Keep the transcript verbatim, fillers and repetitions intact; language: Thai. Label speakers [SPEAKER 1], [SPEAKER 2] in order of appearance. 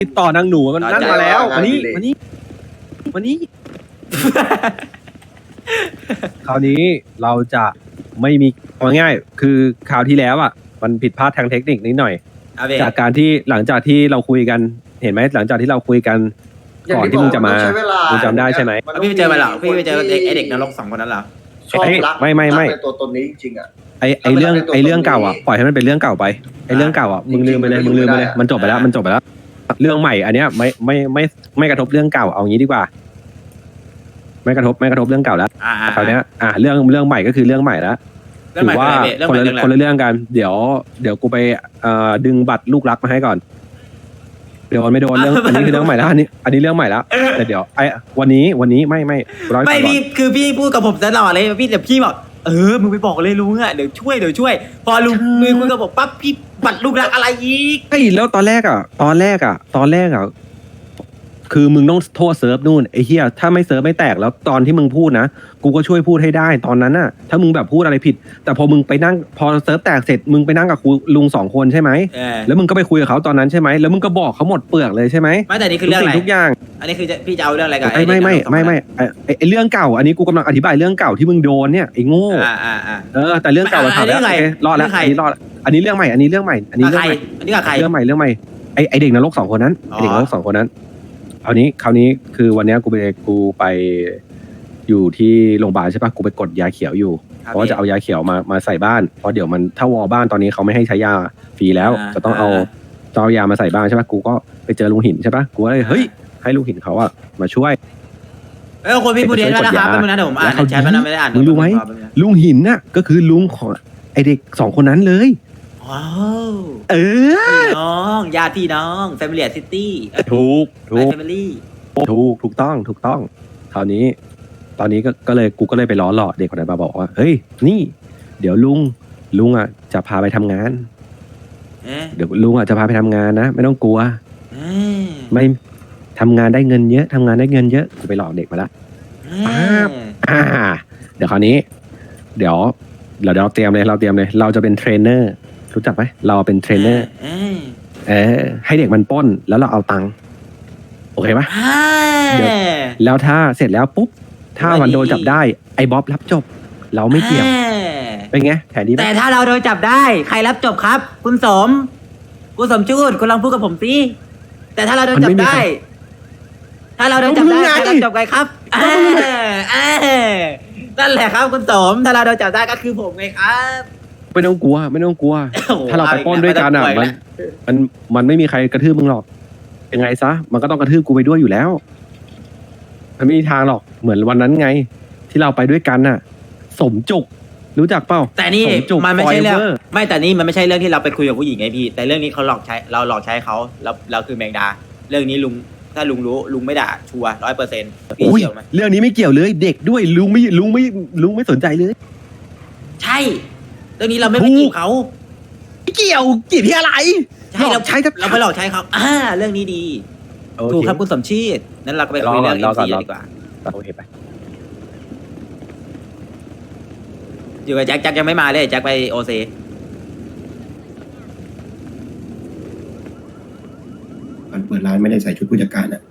[SPEAKER 1] ติดต่อนางหนูมันนั่นมาแล้ววันนี้วันนี้วันนี้ คราวนี้เราจะไม่มีเอาง่ายๆคือคราวที่แล้วอ่ะมันผิดพลาดทางเทคนิคนิดหน่อยจากการที่หลังจากที่เราคุยกันเห็นไหมหลังจากที่เราคุยกันก่อนที่มึงจะมามึงจำได้ใช่ไหม
[SPEAKER 2] พี่ไปเจอมาเหรอพี่ไปเจอไอเด็กนรกสองคนนั้นเหรอ
[SPEAKER 3] ชอบรัก
[SPEAKER 1] ไม่ไม่ไม่
[SPEAKER 3] ในตัวตนนี้จริงๆอ่ะ
[SPEAKER 1] ไอไอเรื่องไอเรื่องเก่าอ่ะปล่อยให้มันเป็นเรื่องเก่าไปไอเรื่องเก่าอ่ะมึงลืมไปเลยมึงลืมไปเลยมันจบไปแล้วมันจบไปแล้วเรื่องใหม่อันเนี้ยไม่ไม่ไม่ไม่กระทบเรื่องเก่าเอางี้ดีกว่าไม่กระทบไม่กระทบเรื่องเก่าแล้วคราวนี้อ่าเรื่องเรื่องใหม่ก็คือเรื่องใหม่แล้วถือว่าคนละคนละเรื่องกันเดี๋ยวเดี๋ยวกูไปเอ่อดึงบัตรลูกรักมาให้ก่อนเดี๋ยวไม่โดนเรื่องอันนี้คือเรื่องใหม่แล้วอันนี้อันนี้เรื่องใหม่แล้วแต่เดี๋ยวไอ้วันนี้วันนี้ไม่ไม่ร้อย
[SPEAKER 2] ไม่พี่คือพี่พูดกับผมตลอดเลยพี่แต่พี่บอกเออมึงไปบอกเลยลุงอ่ะเดี๋ยวช่วยเดี๋ยวช่วยพอลุงลุงคุยกับผมปั๊บพี่บัตรลูกรักอะไรอีก
[SPEAKER 1] ไอ้แล้วตอนแรกอ่ะตอนแรกอ่ะตอนแรกอ่ะคือมึงต้องโทษเซิร์ฟนู่นไอ้เหี้ยถ้าไม่เซิร์ฟไม่แตกแล้วตอนที่มึงพูดนะกูก็ช่วยพูดให้ได้ตอนนั้นน่ะถ้ามึงแบบพูดอะไรผิดแต่พอมึงไปนั่งพอเซิร์ฟแตกเสร็จมึงไปนั่งกับครูลุงสองคนใช่ไหมแล้วมึงก็ไปคุยกับเขาตอนนั้นใช่ไหมแล้วมึงก็บอกเขาหมดเปลือกเลยใช่ไหม
[SPEAKER 2] ไม่แต่นี่คือเรื่องอะไร
[SPEAKER 1] ทุกอย่าง
[SPEAKER 2] อันนี้คือจะพี่จะเอาเรื่องอะไรกัน
[SPEAKER 1] ไม่ไม่ไม่ไม่ไม่ไอ้ไอ้เรื่องเก่าอันนี้กูกำลังอธิบายเรื่องเก่าที่มึงโดนเนี่ยไอ้โง่
[SPEAKER 2] อ่าอ่าอ่า
[SPEAKER 1] เออแต่เรื่องเก่าเราผ่านแล้วโอเครอดแล้วอันนี้รอดอันนี้เรื่องใหม่อันนี้เรื่องใหม่อันนี้เรื่องใหม่
[SPEAKER 2] อันนี้กับใคร
[SPEAKER 1] เรื่องใหม่เรื่องใหม่ไอ้ไอ้เด็กนรกสองคนนั้นไอ้เด็กนรกสองคนนั้นคราวนี้คราวนี้คือวันนี้กูไปกูไปอยู่ที่โรงพยาบาลใช่ปะกูไปกดยาเขียวอยู่เพราะว่าจะเอายาเขียวมามาใส่บ้านเพราะเดี๋ยวมันถ้าวอบ้านตอนนี้เขาไม่ให้ใช้ยาฟรีแล้วจะต้องเอาต้องเอายามาใส่บ้านใช่ปะกูก็ไปเจอลุงหินใช่ปะกูก็เลยเฮ้ยให้ลุงหินเขาอะมาช่วย
[SPEAKER 2] เออคนพี่พูดเองนะครับเป็นนะเดี๋ยวผมอ่านแชทมันไม่ได้อ่าน
[SPEAKER 1] มึงรู้ไหมลุงหินน่ะก็คือลุงของไอเด็กสองคนนั้นเลย
[SPEAKER 2] ว้าว
[SPEAKER 1] เออ
[SPEAKER 2] พี่น้องญาติพี่น้องแฟมิลี่ซิตี้
[SPEAKER 1] ถูกถูก
[SPEAKER 2] แฟมิลี่
[SPEAKER 1] ถูกถูกต้องถูกต้องคราวนี้ ตอนนี้ก็ก็เลยกูก็เลยไปล้อหลอกเด็กคนนั้นมาบอกว่าเฮ้ยนี่ เดี๋ยวลุงลุงอ่ะจะพาไปทำงานเดี๋ยวลุงอ่ะจะพาไปทำงานนะไม่ต้องกลัวไม่ทำงานได้เงินเยอะทำงานได้เงินเยอะกูไปหลอกเด็กมาละอ่าเดี๋ยวคราวนี้ เดี๋ยวเดี๋ยวเราเตรียมเลยเราเตรียมเลย เราจะเป็นเทรนเนอร์รู้จักไหมเราเป็นเทรนเนอร์เออให้เด็กมันปล้นแล้วเราเอาตังค์โอเคปะเดี๋ยวแล้วถ้าเสร็จแล้วปุ๊บถ้ามันโดนจับได้ไอ้บ๊อบรับจบ เราไม่เกี่ยวเป็นไงแผนดีไหม
[SPEAKER 2] แต่ถ้าเราโดนจับได้ใครรับจบครับ คุณสมคุณสมจูดคุณลองพูดกับผมสิแต่ถ้าเราโดนจับได้ ถ้าเราโดนจับได้ใครรับจบไงครับเออเออนั่นแหละครับคุณสมถ้าเราโดนจับได้ก็คือผมไงครับ
[SPEAKER 1] ไม่ต้องกลัวไม่ต้องกลัว ถ้าเราไปปล้นด้วยกันอ่ะมันมันมันไม่มีใครกระทืบมึงหรอกยังไงซะมันก็ต้องกระทืบกูไปด้วยอยู่แล้วมันไม่มีทางหรอกเหมือนวันนั้นไง ที่เราไปด้วยกันน่ะ สมจุกรู้จักเปล่า
[SPEAKER 2] แต่นี่
[SPEAKER 1] สจุก
[SPEAKER 2] มันไม่ใช่เรื่อง
[SPEAKER 1] Forever
[SPEAKER 2] ไม่แต่นี่มันไม่ใช่เรื่องที่เราไปคุยกับผู้หญิงไงพี่ แต่เรื่องนี้เขาหลอกใช้เราหลอกใช้เขาเราเราคือแมงดา เรื่องนี้ลุงถ้าลุงรู้ลุงไม่ด่าชัวร้อยเปอร์เซ็นต์พี่
[SPEAKER 1] โอ้ย
[SPEAKER 2] เชื่อไหม
[SPEAKER 1] เรื่องนี้ไม่เกี่ยวเลย เด็กด้วยลุงไม่ลุงไม่ลุงไม่สนใจเลย
[SPEAKER 2] ใช่ เรื่องนี้เราไม่ไปจีบเขา
[SPEAKER 1] ไม่เกี่ยวจีบที่อะไร
[SPEAKER 2] ใช่
[SPEAKER 1] หล
[SPEAKER 2] เรา
[SPEAKER 1] อกใช้ทั
[SPEAKER 2] เราไปหลอกใช้เขาอ่าเรื่องนี้ดี
[SPEAKER 1] โอเค
[SPEAKER 2] ถูกครับคุณสมชีตนั้นเราก็ไปคุยเรื่องเอ็
[SPEAKER 1] รอ
[SPEAKER 2] ม
[SPEAKER 1] ก่อน
[SPEAKER 2] ซี
[SPEAKER 1] รอ
[SPEAKER 2] ดีกว่า
[SPEAKER 1] โอเคไป
[SPEAKER 2] อยู่กับแจ็คแจ็คยังไม่มาเลยแจ็คไปโอซี
[SPEAKER 4] มันเปิดร้านไม่ได้ใส่ชุดผู้จัดการอ่ะ